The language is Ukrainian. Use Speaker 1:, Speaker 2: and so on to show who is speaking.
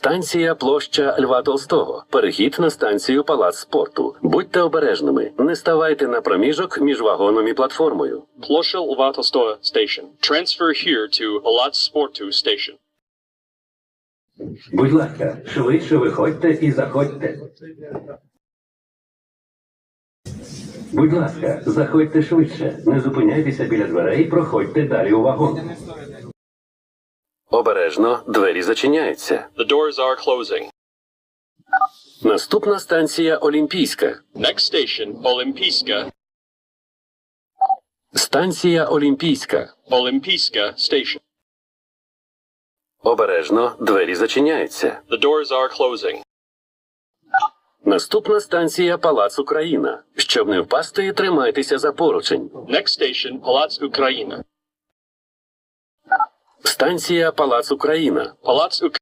Speaker 1: Станція площа Льва Толстого. Перехід на станцію Палац спорту. Будьте обережними. Не ставайте на проміжок між вагоном і платформою.
Speaker 2: Площа Льва Толстого Station. Transfer here to Palace Sportu Station.
Speaker 3: Будь ласка, швидше виходьте і заходьте. Будь ласка, заходьте швидше. Не зупиняйтеся біля дверей, проходьте далі у вагон.
Speaker 1: Обережно, двері зачиняються.
Speaker 2: The doors are closing.
Speaker 1: Наступна станція Олімпійська.
Speaker 2: Next station, Olimpijska.
Speaker 1: Станція Олімпійська.
Speaker 2: Olimpijska Station.
Speaker 1: Обережно, двері зачиняються.
Speaker 2: The doors are closing.
Speaker 1: Наступна станція Палац Україна. Щоб не впасти, тримайтеся за поручень.
Speaker 2: Next station, Palace Ukraina.
Speaker 1: Станція Палац Україна.
Speaker 2: Palace